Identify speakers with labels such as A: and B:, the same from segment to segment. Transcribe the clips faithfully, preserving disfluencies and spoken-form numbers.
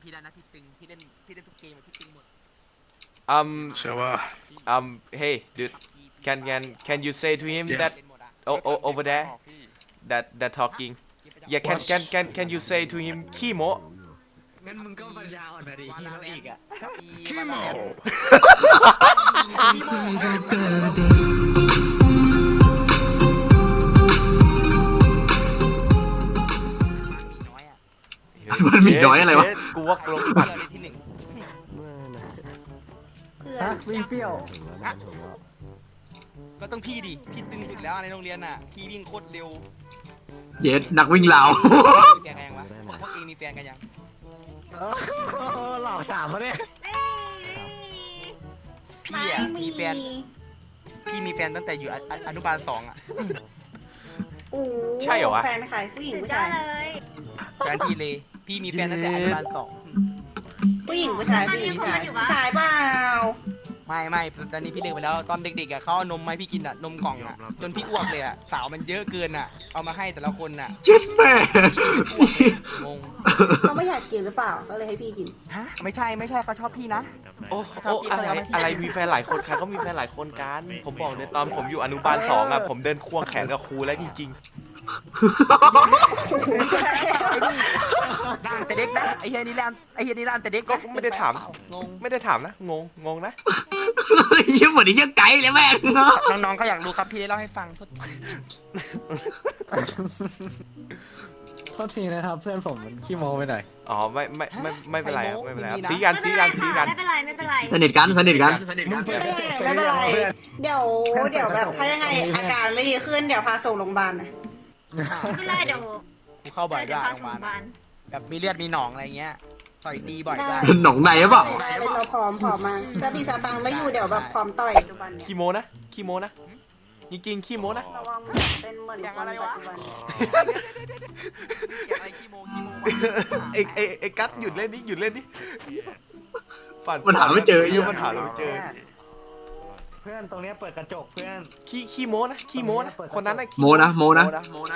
A: พี่ได้นะพี่ตึงพี่เล่นพี่เล่นทุกเกมพี่ตึงหมด
B: Um,
C: So, uh,
B: um, hey, dude, can can can you say to him
C: Yeah.
B: that oh, oh, over there that that talking? Yeah, can can can can you say to him Kimo?
D: งั้นมึงก็ปัญญาอ่อนนะดิที่เขาอีกอ่ะ
C: Kimo!
D: มันมีน้อยอะไรวะ
B: เฮ้ยกูว่าลงปัด
A: ที่หนึ่ง
E: ฮะวิ่งเปรี้ยว
A: ก็ต้องพี่ดิพี่ตึงสุดแล้วในโรงเรียนน่ะพี่วิ่งโคตรเร็ว
D: เย็ดนักวิ่งลาว
A: มีแฟนกันยังวะพวกเองมีแฟนกันยัง
E: หลอกสามเขาเนี่ย
A: พี่อ่ะมีแฟนพี่มีแฟนตั้งแต่อยู่อนุบาลสองอ่ะ
B: ใช่เหรอวะ
F: แฟนใครผู้หญิงผู้ชาย
A: แฟนพี่เลยพี่มีแฟนตั้งแต่อนุบาลสอง
F: ผู้หญิงผู้ชายผู้หญิงผู้ชายผู้ชายเปล่า
A: ไม่ไม่ตอนนี้พี่เลิกไปแล้วตอนเด็กๆอ่ะเขาเอานมมาให้พี่กินอ่ะนมกล่องอ่ะจนพี่อ้วกเลยอ่ะสาวมันเยอะเกินอ่ะเอามาให้แต่ละคนอ่ะ
D: เจ็ดแม่
A: งง
F: เขาไม่อยากกินหรือเปล่าก็เลยให้พี่กิน
A: ฮะไม่ใช่ไม่ใช่เขาชอบพี่นะ
B: โอ้โอ้อะไรอะไรมีแฟนหลายคนใครเขามีแฟนหลายคนกัน ผมบอกเลยตอนผมอยู่อนุบาลสองอ่ะผมเดินควงแขนกับครูแล้วจริง
A: ไอ้นี่ร้านแต่เด็กนะไอ้เฮียนี่ร้านไอ้เฮียนี่ร้านแต่เด็ก
B: ๆ ก็ไม่ได้ถาม
A: งง
B: ไม่ได้ถามนะงงงงนะ
D: ยิ้มเหมือนไอ้เหี้ยไก่เลยแม่งเนาะ
A: น้องๆเขาอยากรู้ครับพี่เล่าให้ฟังโทษที
E: โทษทีนะครับเพื่อนผมมันขี้โม้ไปหน่อย
B: อ๋อไม่ไม่ไม่ไม่เป็นไรครับไม่เป็นไรครับซีกันซีกันซีกัน
G: ไม่เป็นไรไม่เป็นไร
D: สนิทกันสนิทกัน
E: มึงเปิดกระจกไป
F: ไม่
E: เรื่
F: เป็น
E: อย
F: ไร
E: เพื่อน
F: เดี๋ยวเดี๋ยวแบบถ้ายังไงอาการไม่ดีขึ้นเดี๋ยวพาส่งโรงพยาบาลนะ
G: ไม่เป็นไรเดี๋ยว
A: กูเข้าบ่อย
G: เดี๋
A: ด้
G: ยว
A: วย
G: พา
A: โรงพ
G: ส่
A: ยาง บาล
G: บ้าน
A: แบบมีเลือดมีหนองอะไรเงี้ยต่อยตีบ่อยด้วย
D: หนองในหรือเปล่า
F: ได้เลยเราพร้อมพร้อมมาสติสตังค์ไม่อยู่เดี๋ยวแบบพร้อมต่อยปัจจุบันเนี่ย
B: ขี้โมนะขี้โมนะจริงๆขี้โมนะ
F: ระวังเป็นเหมือนคนปัจจุบัน
A: เก็บอะไรขี้โมงขี้โมง
B: ไอ้ไอ้ไอ้กัดหยุดเล่นนี่หยุดเล่นนี่ปั่น
D: มันหาไม่เจอไอ้เหี้
B: เย
D: ย
B: มันหาเราไม่เจอ
E: เพื่อนตรงเนี้ยเปิดกระจกเพื่อน
B: ขี้ขี้โมนะขี้โมนะคนนั้นน่ะขี้
D: โมนะโมนะ
A: โมนะ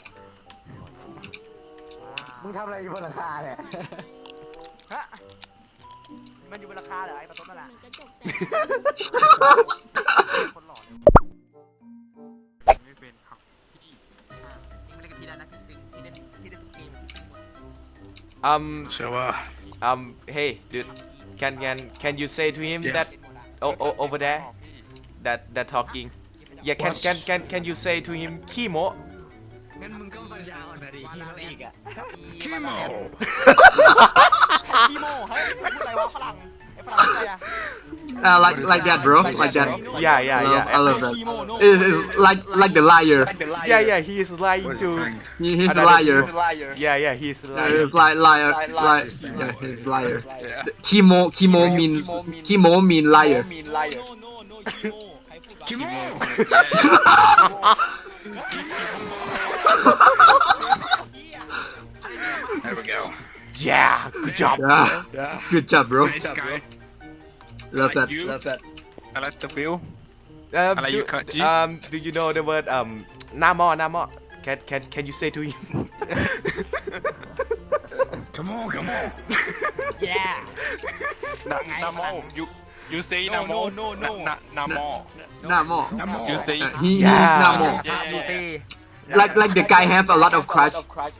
E: มึงทำอะไรอยู่บนหลังคาเนี่ย
A: ฮะมันอยู่บนราคาเหรอไอ้ประตูนั่นแหละ
G: มีกระจกแตก
A: คนหล่อไม่เป็นครับพี่ยิงเล่นกับพี่ได้นะพี่ตึงพี่เล่นพี่เล่นทุกเกมพี่ตึงหมด
B: Um
C: So, uh,
B: um hey dude can can can you say to him
C: Yeah.
B: that oh, oh over there that that talking yeah can can can can you say to him Kimo
D: งั้นมึงก็ปัญญาอ่อนนะดิที่เขาอีกอ่ะ
C: Kimo!
A: ขี้โมเฮ้ยพูดอะไรวะฝรั่งไอ้ฝรั่งอะไรอะ
D: Uh, like like that bro like that
B: yeah yeah yeah
D: I love that
A: ขี้โมโน่
D: It's, it's like like the liar
B: yeah yeah he is lying
C: What is
B: to
C: it saying?
D: he, he's a
B: another-
D: liar
B: yeah yeah he is
D: Uh,
B: lying
D: li- liar li- yeah he's a liar Kimo Kimo mean Kimo mean liar
A: มีนไลเออโน่โน่ขี้โมใครพูดวะ
C: Kimo! There we go.
B: yeah good job
D: yeah good job bro
C: Nice guy.
D: love that
C: you.
D: love that
H: I like the view.
B: um,
H: อะไร
B: do,
H: อยู่ครับจี
B: um do you know the word um หน้าหม้อหน้าหม้อ can can can you say to him
C: Come on, come on.
A: yeah
H: Na, Namo. You you say
A: No,
H: Namo.
A: no, no, no.
H: Na, na, Namo.
D: หน้าหม้อ
C: Namo.
H: You say
D: Uh, he
B: Yeah.
D: he's หน้าหม้อ
H: yeah,
A: ดู
H: yeah,
A: สิ
H: yeah.
D: like like the guy have a lot of crush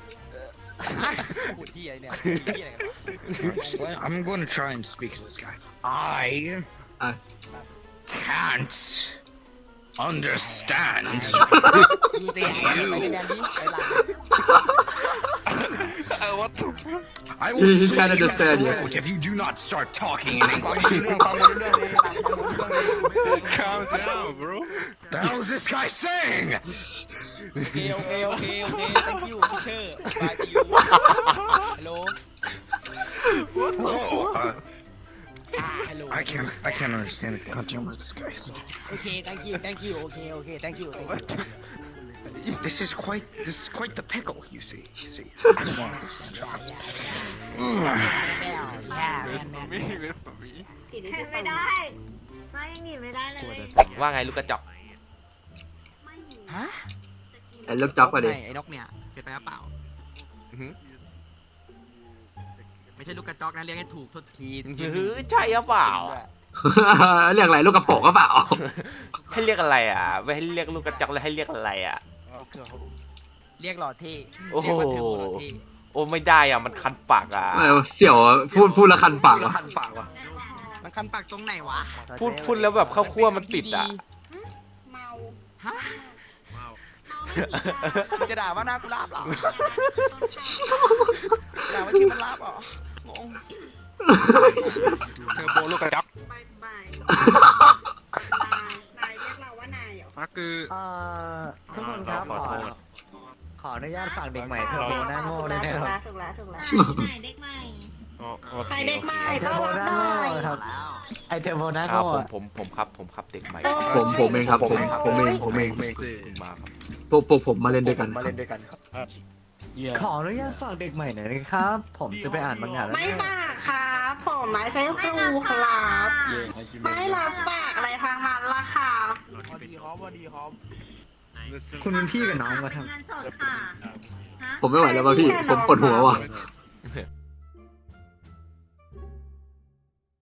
A: พูดที่อะไรเนี่ยที่อะไรกัน
C: I'm going to try and speak to this guy. I
D: Uh.
C: can't understand.
A: ดูสิไปในแมนดี้ไปหลัง
H: Uh, what the
C: I
D: He-
C: will
D: he
C: slit
D: can't
C: your
D: understand you.
C: throat if you do not start talking in
A: ฟัง
C: English.
A: เรื่องฟังเรื่องเลยหลังฟังเรื่องเลย
H: Calm down, bro.
C: The hell is this guy saying?
A: โอเคโอเคโอเคโอเค thank you teacher bye to you hello
C: Oh, uh,
A: hello
C: I can't. I can't understand a goddamn word this guy. said.
A: โอเค thank you thank you โอเคโอเค thank you thank you
C: This is quite. This is quite the pickle. You see. You see. Come on.
A: แล้วย่าแมนแมน
H: Me, wait for me.
G: ไม่ได้ไม่หนีไม่ได้เลย
B: ว่าไงลูกกระจอก
A: ฮะ
D: ไอ้เลิกจ็อกไปดิ
A: ไอ้นกเนี่ยเป็นไปหรือเปล่า
B: อือหือ
A: ไม่ไม่ใช่ลูกกระจอกนะเรียกให้ถูกโทษที
B: เฮ้ยใช่หรือเปล่า
D: เรียกอะไรลูกกระโปรงก็เปล่า
B: ให้เรียกอะไรอ่ะไม่ให้เรียกลูกกระจอกเลยให้เรียกอะไรอ่ะ
A: เรียกหล่อเท่
B: โอ้โห
A: เรียกว่าเทอร์โบหล่อเท่
B: โอ้ไม่ได้อ่ะมันคันปากอ่ะ
D: เออเสี่ยวอะพูดพูดและคันปากว่ะ
A: มันคันปากตรงไหนวะ
B: พูดพูดแล้วแบบข้าวคั่วมันติดอ่ะ
F: เมา
A: ฮะมึงจะด่าว่าหน้ากูลาบเหรอด่าว่าที่มันลาบเหรองง
H: เทอร์โบลูกกระจับ
F: บายบายนายเรียกเราว่านายเหรอ
H: มาคือ
E: เอ่อทุกคนครับขอขออนุญาตฝากเด็กใหม่เทอร์โบหน้าโง่ด้วยนะครับ
F: ถูกแล้วถูกแล้ว
G: เด็กใหม่เด็กใหม่
F: ใครเด็กใหม่
E: ไอเท
F: ต้
E: อ
F: อน
E: ร์โบ
F: รับ
E: หน้า
F: หน่
E: โง่
F: อย
E: ครับไอเทอร์โบหน้า
B: ครับ
E: โง่
B: ผม
E: อะ
B: ผมผมครับผมครับเด็กใหม่
D: ผมผมเองครับผมผมเองผมเอง
B: เพิ่งมาครับ
D: พวกพวกผมมาเล่นด้วยกัน
E: ขออนุญาตฝากเด็กใหม่หน่อยนะครับ ผมจะไปอ่านมังงะแล้ว
F: ไม่
E: เนี่ย
F: ฝากครับผมไม่ใช่ครูครับไม่รับฝากอะไรทางนั้นละค่ะ
A: พอดีครับพอดีครับ
E: คุณเป็นพี่กับน้องมาทำ
G: เงินสดค่ะฮะ
D: ผมไม่ไหวแล้วว่ะพี่ ผมปวดหัวว่ะ
H: Listen.